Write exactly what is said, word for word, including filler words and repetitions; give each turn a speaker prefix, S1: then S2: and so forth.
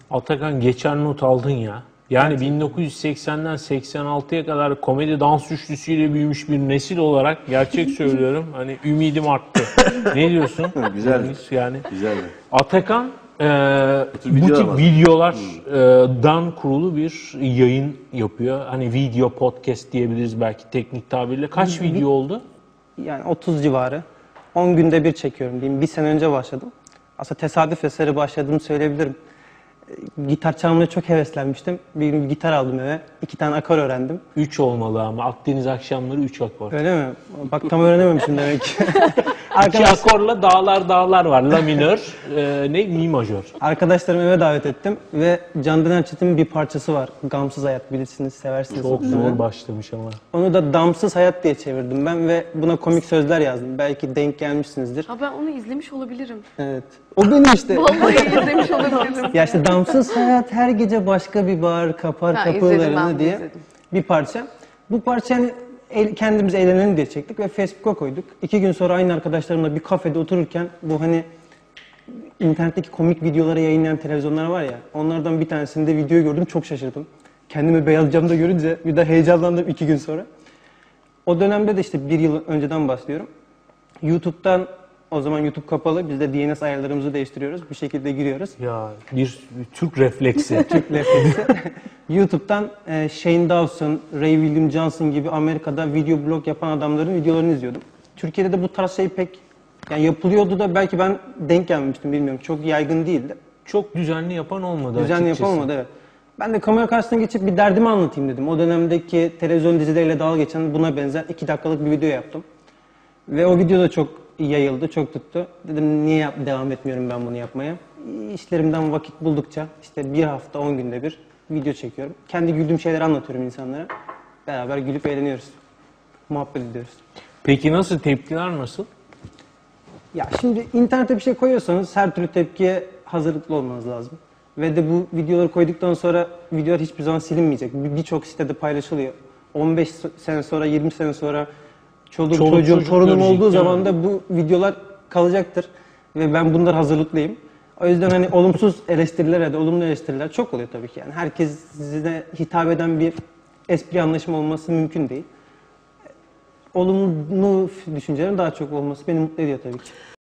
S1: Atakan geçen not aldın ya. Yani bin dokuz yüz seksenden seksen altıya kadar komedi dans üçlüsüyle büyümüş bir nesil olarak gerçek söylüyorum. Hani ümidim arttı. Ne diyorsun?
S2: Güzel.
S1: Yani
S2: Güzel.
S1: Atakan e, bu
S2: videolar
S1: tip
S2: var.
S1: videolardan kurulu bir yayın yapıyor. Hani video podcast diyebiliriz belki teknik tabirle. Kaç video oldu?
S3: Yani otuz civarı. on günde bir çekiyorum diyeyim. Bir sene önce başladım. Aslında tesadüf eseri başladığımı söyleyebilirim. Gitar çalmaya çok heveslenmiştim. Bir gün bir gitar aldım eve. İki tane akor öğrendim.
S1: üç olmalı ama Akdeniz akşamları üç akor.
S3: Öyle mi? Bak tam öğrenememişim demek ki.
S1: İki akorla dağlar dağlar var. La minör, e, ne? Mi majör.
S3: Arkadaşlarımı eve davet ettim ve Candan Erçetin'in bir parçası var. Gamsız Hayat, bilirsiniz, seversiniz.
S1: Çok zor başlamış ama.
S3: Onu da Damsız Hayat diye çevirdim ben ve buna komik sözler yazdım. Belki denk gelmişsinizdir.
S4: Ha ben onu izlemiş olabilirim.
S3: Evet. O benim işte.
S4: Vallahi izlemiş olabilirim.
S3: Ya işte Damsız Hayat her gece başka bir bar kapar
S4: Ha, izledim, ben
S3: kapılarını
S4: bunu
S3: diye
S4: izledim.
S3: bir parça. Bu parçayı el, kendimiz eğlenelim diye çektik ve Facebook'a koyduk. İki gün sonra aynı arkadaşlarımla bir kafede otururken bu hani internetteki komik videoları yayınlayan televizyonlar var ya, onlardan bir tanesinde videoyu gördüm, çok şaşırdım. Kendimi beyaz camda görünce bir de heyecanlandım iki gün sonra. O dönemde de işte bir yıl önceden bahsediyorum. YouTube'dan, o zaman YouTube kapalı, biz de D N S ayarlarımızı değiştiriyoruz, bir şekilde giriyoruz.
S1: Ya bir, bir Türk refleksi.
S3: Türk refleksi. YouTube'dan e, Shane Dawson, Ray William Johnson gibi Amerika'da video blog yapan adamların videolarını izliyordum. Türkiye'de de bu tarz şey pek yani yapılıyordu da belki ben denk gelmemiştim, bilmiyorum. Çok yaygın değildi.
S1: Çok düzenli yapan olmadı
S3: Düzenli
S1: açıkçası.
S3: yapılmadı, evet. Ben de kamera karşısına geçip bir derdimi anlatayım dedim. O dönemdeki televizyon dizileriyle dalga geçen buna benzer iki dakikalık bir video yaptım. Ve o video da çok yayıldı, çok tuttu. Dedim niye yap, devam etmiyorum ben bunu yapmaya? İşlerimden vakit buldukça işte bir hafta on günde bir video çekiyorum. Kendi güldüğüm şeyleri anlatıyorum insanlara. Beraber gülüp eğleniyoruz. Muhabbet ediyoruz.
S1: Peki nasıl, tepkiler nasıl?
S3: Ya şimdi internete bir şey koyuyorsanız her türlü tepkiye hazırlıklı olmanız lazım. Ve de bu videoları koyduktan sonra videolar hiçbir zaman silinmeyecek. Bir- Birçok sitede paylaşılıyor. on beş sene sonra, yirmi sene sonra çoluğum,
S1: Çoluk
S3: çocuğum,
S1: çocuk
S3: torunum
S1: görecek,
S3: olduğu
S1: değil
S3: zaman
S1: mi?
S3: da bu videolar kalacaktır. Ve ben bunlar hazırlıklıyım. O yüzden hani olumsuz eleştiriler ya da olumlu eleştiriler çok oluyor tabii ki. Yani herkes size hitap eden bir espri anlaşımı olması mümkün değil. Olumlu düşüncelerin daha çok olması beni mutlu ediyor tabii ki.